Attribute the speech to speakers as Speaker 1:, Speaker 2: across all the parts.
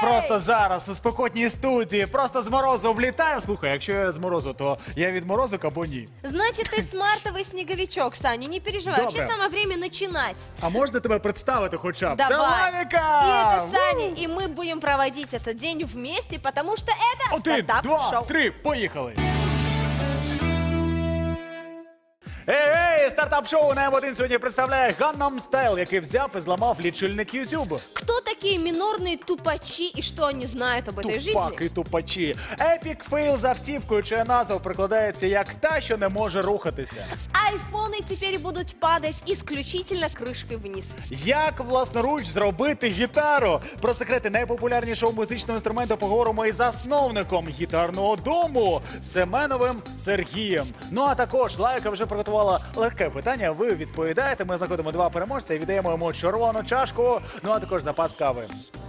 Speaker 1: просто зараз у спекотній студії, просто з морозу влітаю. Слухай, якщо я з морозу, то я від морозу або ні.
Speaker 2: Значит, ты смартовый снеговичок, Саня, не переживай.
Speaker 1: Добре.
Speaker 2: Вообще самое время начинать.
Speaker 1: А можна тебе представити хоча б? Це
Speaker 2: Давай.
Speaker 1: Лавіка!
Speaker 2: И это Саня, и мы будем проводить этот день вместе, потому что это
Speaker 1: 1, 2,
Speaker 2: стартап-шоу.
Speaker 1: 3, поїхали! Ей, стартап-шоу на М1 сьогодні представляє Gangnam Style, який взяв і зламав лічильник YouTube.
Speaker 2: Кто такие минорные тупачи и что они знают об этой жизни?
Speaker 1: Тупак і тупачі. Епік фейл з автівкою, чия назва прикладається як та, що не може рухатися.
Speaker 2: Айфоны теперь будут падать исключительно крышкой вниз.
Speaker 1: Як власноруч зробити гітару? Про секрети найпопулярнішого музичного інструменту поговоримо із засновником гітарного дому Семеновим Сергієм. Ну а також Лайка вже приготувала легке питання. Ви відповідаєте. Ми знаходимо 2 переможця і віддаємо йому червону чашку. Ну а також запас кави.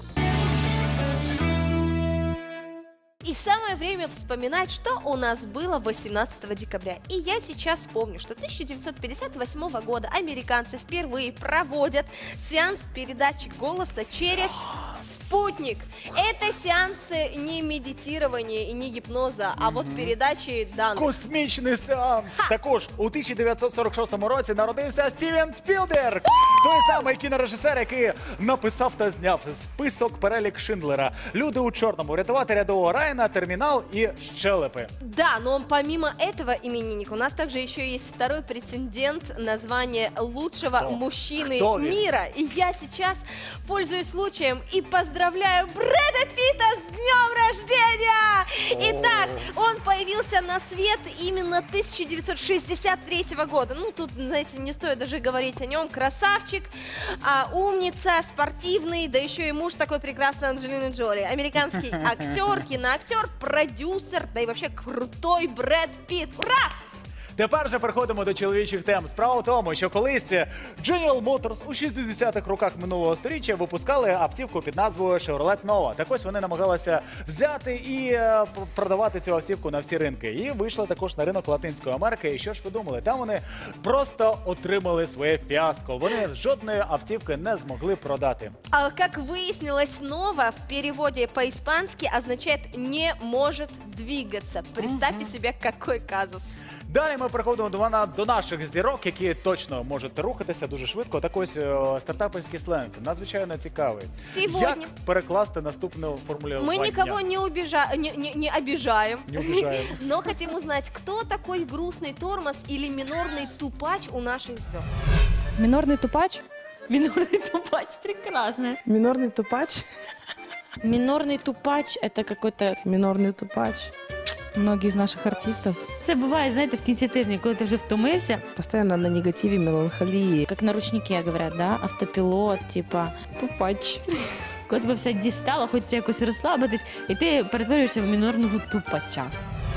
Speaker 2: И самое время вспоминать, что у нас было 18 декабря. И я сейчас помню, что 1958 года американцы впервые проводят сеанс передачи голоса через спутник. Это сеансы не медитирования и не гипноза, а вот передачи данных.
Speaker 1: Космічний сеанс. Також у 1946 році народився Стівен Спілберг. Той самий кінорежисер, який написав та зняв список перелік Шиндлера. Люди у чорному, врятувати рядового Райана, термінал і щелепи.
Speaker 2: Да, но помимо этого именинника у нас также еще есть второй претендент на звание лучшего мужчины
Speaker 1: Кто он?
Speaker 2: мира. И я сейчас пользуюсь случаем и поздравляю Брэда Питта с днем рождения! Итак, он появился на свет именно 1963 года. Ну, тут, знаете, не стоит даже говорить о нем. Красавчик, умница, спортивный, да еще и муж такой прекрасный Анджелины Джоли. Американский актер, киноактер, продюсер, да и вообще крутой Брэд Питт. Ура!
Speaker 1: Тепер же переходимо до чоловічих тем. Справа в тому, що колись General Motors у 60-х роках минулого сторіччя випускали автівку під назвою Chevrolet Nova. Так ось вони намагалися взяти і продавати цю автівку на всі ринки. І вийшли також на ринок Латинської Америки. І що ж ви думали? Там вони просто отримали своє фіаско. Вони жодної автівки не змогли продати.
Speaker 2: А как выяснилось, Nova в переводе по-испански означает «не может двигаться». Представьте себе, какой казус.
Speaker 1: Далі ми переходимо до наших зірок, які точно можуть рухатися дуже швидко. Так ось стартаперський сленг надзвичайно цікавий.
Speaker 2: Сьогодні.
Speaker 1: Як перекласти наступну формулировку?
Speaker 2: Мы никого не обижаем,
Speaker 1: Не обижаем.
Speaker 2: но хотим узнать, кто такой грустный тормоз или минорный тупач у наших звезд.
Speaker 3: Минорный тупач?
Speaker 4: Минорный тупач, прекрасно.
Speaker 5: Минорный тупач.
Speaker 4: Минорный тупач – это какой-то...
Speaker 5: Минорный тупач.
Speaker 3: Многие из наших артистов.
Speaker 4: Це буває, знаєте, в кінці тижня, коли ти вже втомився,
Speaker 5: Постоянно на негативе, меланхолии.
Speaker 4: як на ручнике говорять, да? Автопілот, типа,
Speaker 3: Тупач.
Speaker 4: коли тебе все дістало, хочеться якось розслабитись, і ти перетворюєшся в мінорного тупача.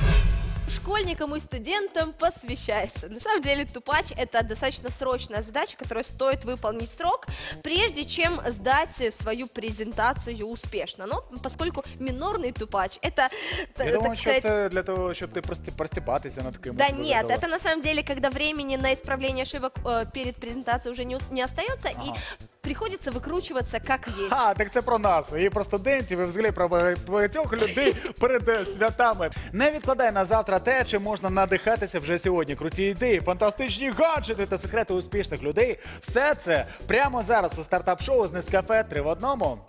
Speaker 2: Школьникам и студентам посвящается. На самом деле тупач – это достаточно срочная задача, которую стоит выполнить в срок, прежде чем сдать свою презентацию успешно. Но поскольку минорный тупач – это,
Speaker 1: Я думаю,
Speaker 2: так
Speaker 1: що
Speaker 2: сказать,
Speaker 1: це для того, щоб ти простіпатися над кимось.
Speaker 2: да
Speaker 1: буде
Speaker 2: нет,
Speaker 1: того.
Speaker 2: это на самом деле, когда времени на исправление ошибок перед презентацией уже не остается, и приходится выкручиваться как есть.
Speaker 1: Так це про нас, і про студентів, і взагалі про багатьох людей перед святами. Не відкладай на завтра те, чим можна надихатися вже сьогодні. Круті ідеї, фантастичні гаджети та секрети успішних людей. Все це прямо зараз у стартап-шоу з Нескафе 3 в 1.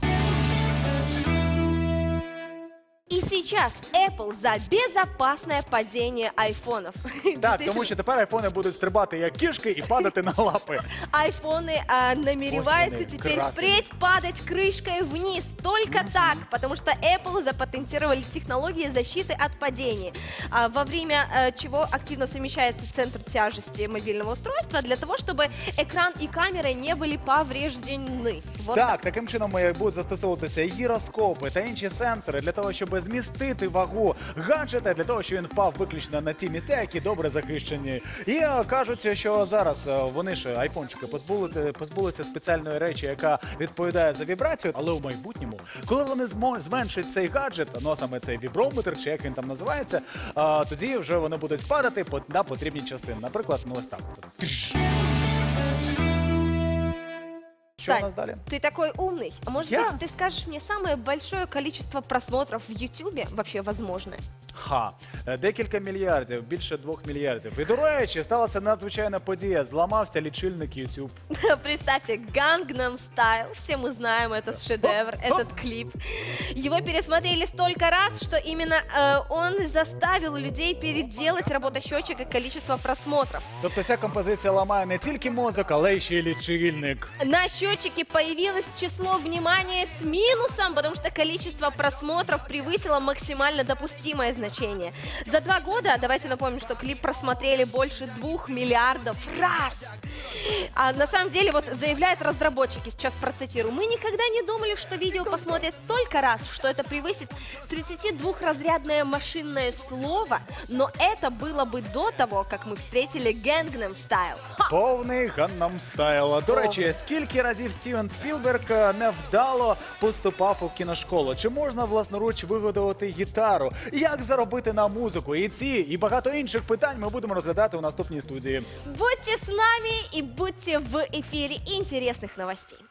Speaker 2: И сейчас Apple за безопасное падение айфонов.
Speaker 1: Так, тому що тепер айфони будуть стрибати як кішки і падати на лапи.
Speaker 2: Айфоны намереваются
Speaker 1: Ось вони,
Speaker 2: теперь
Speaker 1: красені.
Speaker 2: впредь падать крышкой вниз. Только так, потому что Apple запатентировали технологии защиты от падений, во время чего активно совмещается центр тяжести мобильного устройства для того, чтобы экран и камера не были повреждены. Вот
Speaker 1: Так, таким чином будуть застосовуватися гіроскопи та інші сенсори для того, щоб змістити вагу гаджета, для того, щоб він впав виключно на ті місця, які добре захищені. І кажуть, що зараз вони ж, айфончики, позбулися спеціальної речі, яка відповідає за вібрацію, але у майбутньому, коли вони зменшать цей гаджет, ну саме цей віброметр, чи як він там називається, тоді вже вони будуть падати на потрібні частини. Наприклад, ну ось так. Що у
Speaker 2: Сань,
Speaker 1: нас далі?
Speaker 2: ты такой умный. А может
Speaker 1: Я?
Speaker 2: быть, ты скажешь мне самое большое количество просмотров в Ютубе вообще возможное?
Speaker 1: Ха, декілька мільярдів, більше 2 мільярдів. І, до речі, сталася надзвичайна подія. Зламався лічильник YouTube.
Speaker 2: Представьте, Gangnam Style, все мы знаем этот шедевр, этот клип. Его пересмотрели столько раз, что именно он заставил людей переделать работосчетчик и количество просмотров.
Speaker 1: Тобто ця композиція ламає не тільки мозок, але й ще й лічильник.
Speaker 2: На счетчике появилось число внимания с минусом, потому что количество просмотров превысило максимально допустимое значение. За 2 года, давайте напомним, что клип просмотрели больше 2 миллиардов раз. А на самом деле, вот заявляют разработчики, сейчас процитирую, мы никогда не думали, что видео посмотрят столько раз, что это превысит 32-разрядное машинное слово, но это было бы до того, как мы встретили Gangnam Style. Ха!
Speaker 1: Повний Gangnam Style. До речі, скільки разів Стівен Спілберг невдало поступав у кіношколу? Чи можна власноруч виготовити гітару? Як заробити на музику? І ці, і багато інших питань ми будемо розглядати у наступній студії.
Speaker 2: Будьте с нами и будьте в эфире интересных новостей.